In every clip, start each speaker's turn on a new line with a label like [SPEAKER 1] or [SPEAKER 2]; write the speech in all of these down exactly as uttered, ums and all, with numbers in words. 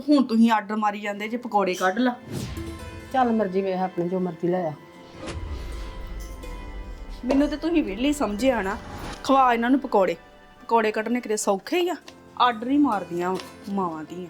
[SPEAKER 1] ਹੁਣ ਤੁਸੀਂ ਆਰਡਰ ਮਾਰੀ ਜਾਂਦੇ ਜੇ ਪਕੌੜੇ ਕੱਢ ਲਾ।
[SPEAKER 2] ਚੱਲ ਮਰਜ਼ੀ ਵੇਖ ਆਪਣੀ, ਜੋ ਮਰਜ਼ੀ ਲੈ ਆ।
[SPEAKER 1] ਮੈਨੂੰ ਤੇ ਤੁਸੀਂ ਵਿਹਲੀ ਸਮਝਿਆ ਨਾ। ਖਵਾ ਇਹਨਾਂ ਨੂੰ ਪਕੌੜੇ। ਪਕੌੜੇ ਕੱਢਣੇ ਕਿਤੇ ਸੌਖੇ ਹੀ ਆ, ਆਰਡਰ ਹੀ ਮਾਰਦੀਆਂ ਮਾਵਾਂ ਦੀਆਂ।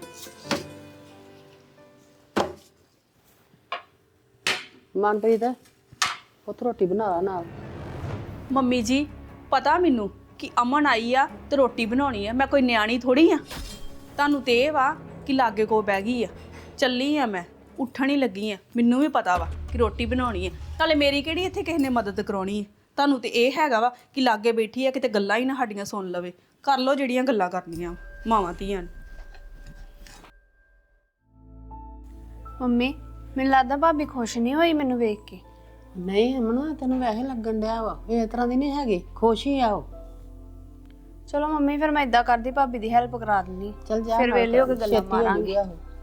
[SPEAKER 2] ਮਨਪ੍ਰੀਤ ਉੱਥੇ ਰੋਟੀ ਬਣਾ ਲਾ ਨਾਲ।
[SPEAKER 1] ਮੰਮੀ ਜੀ ਪਤਾ ਮੈਨੂੰ ਕਿ ਅਮਨ ਆਈ ਆ ਤੇ ਰੋਟੀ ਬਣਾਉਣੀ ਆ। ਮੈਂ ਕੋਈ ਨਿਆਣੀ ਥੋੜੀ ਆ। ਤੁਹਾਨੂੰ ਤੇ ਇਹ ਵਾ ਕਿ ਲਾਗੇ ਕੋ ਬਹਿ ਗਈ ਆ। ਚੱਲੀ ਆ ਮੈਂ, ਉੱਠਣ ਹੀ ਲੱਗੀ ਆ। ਮੈਨੂੰ ਵੀ ਪਤਾ ਵਾ ਕਿ ਰੋਟੀ ਬਣਾਉਣੀ ਆ। ਨਾਲੇ ਮੇਰੀ ਕਿਹੜੀ ਇੱਥੇ ਕਿਸੇ ਨੇ ਮਦਦ ਕਰਾਉਣੀ ਆ। ਤੁਹਾਨੂੰ ਤੇ ਇਹ ਹੈਗਾ ਵਾ ਕਿ ਲਾਗੇ ਬੈਠੀ ਆ, ਕਿਤੇ ਗੱਲਾਂ ਹੀ ਨਾ ਸਾਡੀਆਂ ਸੁਣ ਲਵੇ। ਕਰ ਲਓ ਜਿਹੜੀਆਂ ਗੱਲਾਂ ਕਰਨੀਆਂ ਮਾਵਾਂ ਧੀਆਂ।
[SPEAKER 3] ਮੰਮੀ ਮੈਨੂੰ ਲੱਗਦਾ ਭਾਬੀ ਖੁਸ਼ ਨਹੀਂ ਹੋਈ ਮੈਨੂੰ ਵੇਖ ਕੇ।
[SPEAKER 2] ਨਹੀਂ ਅਮਨ, ਤੈਨੂੰ ਵੈਸੇ ਲੱਗਣ ਡਿਆ ਵਾ ਇਹ ਤਰ੍ਹਾਂ ਦੀ ਨਹੀਂ ਹੈਗੀ, ਖੁਸ਼ ਹੀ ਆਓ।
[SPEAKER 3] ਚਲੋ ਮੰਮੀ ਫਿਰ ਮੈਂ ਇਦਾਂ ਕਰਦੀ, ਭਾਬੀ ਦੀ ਹੈਲਪ ਕਰਾ ਦਿੰਦੀ।
[SPEAKER 2] ਚੱਲ ਜਾ,
[SPEAKER 3] ਫਿਰ ਵੇਲੇ ਹੋ ਕੇ ਗੱਲਾਂ ਮਾਰਾਂਗੇ।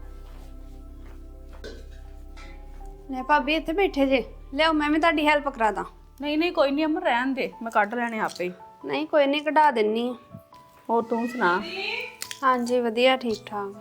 [SPEAKER 3] ਲੈ ਭਾਬੀ ਇੱਥੇ ਬੈਠੇ ਜੇ, ਲਿਆਓ ਮੈਂ ਵੀ ਤੁਹਾਡੀ ਹੈਲਪ ਕਰਾ ਦਾਂ।
[SPEAKER 1] ਨਹੀਂ ਨਹੀਂ ਕੋਈ ਨਹੀਂ ਅਮਨ, ਰਹਿਣ ਦੇ, ਮੈਂ ਕੱਢ ਲੈਣੇ ਆਪੇ ਹੀ।
[SPEAKER 3] ਨਹੀਂ ਕੋਈ ਨਹੀਂ, ਕਢਾ ਦਿੰਨੀ ਆ।
[SPEAKER 1] ਹੋਰ ਤੂੰ ਸੁਣਾ?
[SPEAKER 3] ਹਾਂਜੀ ਵਧੀਆ, ਠੀਕ ਠਾਕ।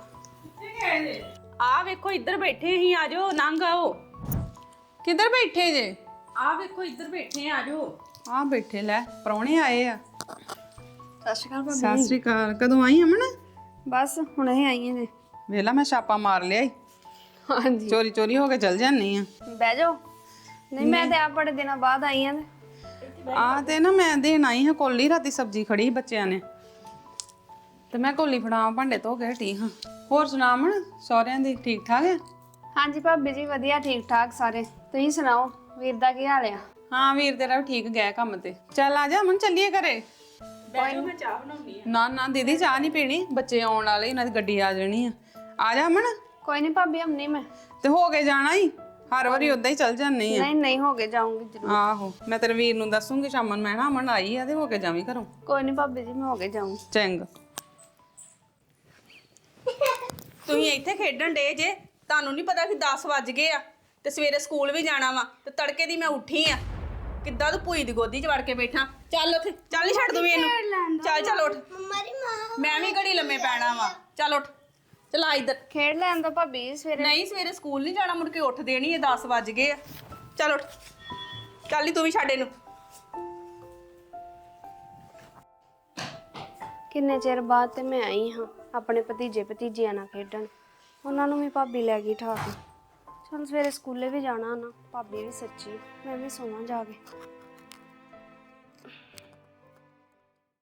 [SPEAKER 1] ਆ ਵੇਖੋ ਇੱਧਰ ਬੈਠੇ ਅਸੀਂ, ਆ ਜਾਓ, ਨੰਗ ਆਓ।
[SPEAKER 4] ਕਿੱਧਰ ਬੈਠੇ ਜੇ?
[SPEAKER 1] ਆ ਵੇਖੋ ਇੱਧਰ ਬੈਠੇ, ਆ ਜਾਓ।
[SPEAKER 4] ਆ ਬੈਠੇ, ਲੈ ਪ੍ਰਾਹੁਣੇ ਆਏ ਆ।
[SPEAKER 3] ਸਤਿ ਸ਼੍ਰੀ ਅਕਾਲ ਭਾਬੀ।
[SPEAKER 4] ਸਤਿ ਸ੍ਰੀ ਅਕਾਲ। ਕਦੋਂ ਆਈ ਅਮਨ?
[SPEAKER 3] ਬਸ ਹੁਣੇ ਹੀ ਆਈਆਂ ਨੇ।
[SPEAKER 4] ਵੇਲਾ ਮੈਂ ਛਾਪਾ ਮਾਰ ਲਿਆ ਈ।
[SPEAKER 3] ਹਾਂਜੀ
[SPEAKER 4] ਚੋਰੀ ਚੋਰੀ ਹੋ ਕੇ ਚਲ ਜਾਂਦੀ ਆ।
[SPEAKER 3] ਬਹਿ ਜਾਓ। ਨਹੀਂ ਮੈਂ ਤੇ ਆਪ ਬੜੇ ਦਿਨਾਂ ਬਾਅਦ ਆਈ ਆਂ।
[SPEAKER 4] ਆ ਤੇ ਨਾ ਮੈਂ ਦੇਣ ਆਈ ਹਾਂ ਕੋਲੀ, ਰਾਤੀ ਸਬਜ਼ੀ ਖੜੀ ਬੱਚਿਆਂ ਨੇ ਤੇ ਮੈਂ ਕੋਲੀ ਫੜਾਵਾਂ, ਭਾਂਡੇ ਧੋ ਕੇ ਹਟੀ ਹਾਂ। ਹੋਰ ਸੁਣਾ ਅਮਨ, ਸਹੁਰਿਆਂ ਦੀ ਠੀਕ ਠਾਕ ਆ?
[SPEAKER 3] ਹਾਂਜੀ ਭਾਬੀ ਜੀ ਵਧੀਆ, ਠੀਕ ਠਾਕ ਸਾਰੇ। ਤੁਸੀਂ ਸੁਣਾਓ ਵੀਰ ਦਾ ਕੀ ਹਾਲ ਆ?
[SPEAKER 4] ਹਾਂ ਵੀਰ ਤੇਰਾ ਵੀ ਠੀਕ ਗਿਆ ਕੰਮ ਤੇ। ਚੱਲ ਆ ਜਾ ਅਮਨ, ਚੱਲੀਏ ਘਰੇ।
[SPEAKER 1] ਬੈਠੋ, ਮੈਂ ਚਾਹ ਬਣਾਉਣੀ ਆ।
[SPEAKER 4] ਨਾ ਨਾ ਦੀਦੀ ਚਾਹ ਨਹੀਂ ਪੀਣੀ, ਬੱਚੇ ਆਉਣ ਵਾਲੇ, ਉਹਨਾਂ ਦੀ ਗੱਡੀ ਆ ਜਾਣੀ ਆ। ਆ ਜਾ ਅਮਨ।
[SPEAKER 3] ਕੋਈ ਨਹੀਂ ਭਾਬੀ, ਹਮ ਨਹੀਂ ਮੈਂ
[SPEAKER 4] ਤੇ ਹੋ ਕੇ ਜਾਣਾ ਹੀ, ਹਰ ਵਾਰੀ ਉਦਾਂ ਹੀ ਚੱਲ ਜਾਂਦੀ ਆ।
[SPEAKER 3] ਨਹੀਂ ਨਹੀਂ ਹੋ ਕੇ ਜਾਊਂਗੀ ਜ਼ਰੂਰ।
[SPEAKER 4] ਆਹੋ ਮੈਂ ਤੇਰੇ ਵੀਰ ਨੂੰ ਦੱਸੂਗੀ ਸ਼ਾਮ ਨੂੰ, ਮੈਂ ਨਾ ਅਮਨ ਆਈ ਆ ਤੇ ਹੋ ਕੇ ਜਾਵੀਂ ਘਰੋਂ।
[SPEAKER 3] ਕੋਈ ਨਹੀਂ ਭਾਬੀ ਜੀ, ਮੈਂ ਹੋ ਕੇ ਜਾਊਂ।
[SPEAKER 4] ਚੰਗਾ।
[SPEAKER 1] ਤੁਸੀਂ ਇੱਥੇ ਖੇਡਣ ਡੇ ਜੇ, ਤੁਹਾਨੂੰ ਨਹੀਂ ਪਤਾ ਕਿ ਦਸ ਵੱਜ ਗਏ ਆ ਤੇ ਸਵੇਰੇ ਸਕੂਲ ਵੀ ਜਾਣਾ ਵਾ। ਤੇ ਤੜਕੇ ਦੀ ਮੈਂ ਉੱਠੀ ਆ, ਕਿੱਦਾਂ ਤੂੰ ਭੂਈ ਦੀ ਗੋਦੀ 'ਚ ਵੜ ਕੇ ਬੈਠਾ। ਚੱਲ ਉੱਥੇ, ਚੱਲ ਹੀ ਛੱਡ ਦੂੰ ਇਹਨੂੰ। ਚੱਲ ਚੱਲ ਉੱਠ, ਮੈਂ ਵੀ ਘੜੀ ਲੰਮੇ ਪੈਣਾ ਵਾ। ਚੱਲ ਉੱਠ, ਚਲਾ ਇੱਧਰ।
[SPEAKER 3] ਖੇਡ ਲੈਣ ਦੋ ਭਾਬੀ, ਸਵੇਰੇ
[SPEAKER 1] ਨਹੀਂ ਸਵੇਰੇ ਸਕੂਲ ਨਹੀਂ ਜਾਣਾ, ਮੁੜ ਕੇ ਉੱਠ ਦੇਣੀ ਹੈ। ਦਸ ਵੱਜ ਗਏ ਆ। ਚੱਲ ਉੱਠ, ਚੱਲ ਹੀ ਤੂੰ ਵੀ ਛੱਡ ਇਹਨੂੰ।
[SPEAKER 3] ਕਿੰਨੇ ਚਿਰ ਬਾਅਦ ਤੇ ਮੈਂ ਆਈ ਹਾਂ ਆਪਣੇ ਭਤੀਜੇ ਭਤੀਜੀਆਂ ਨਾਲ ਖੇਡਣ। ਉਹਨਾਂ ਨੂੰ ਵੀ ਭਾਬੀ ਲੈ ਗਈ ਠਾ ਕੇ। ਚਲ ਸਵੇਰੇ ਸਕੂਲੇ ਵੀ ਜਾਣਾ ਨਾ, ਭਾਬੀ ਵੀ ਸੱਚੀ, ਮੈਂ ਵੀ ਸੋਵਾਂ ਜਾ ਕੇ।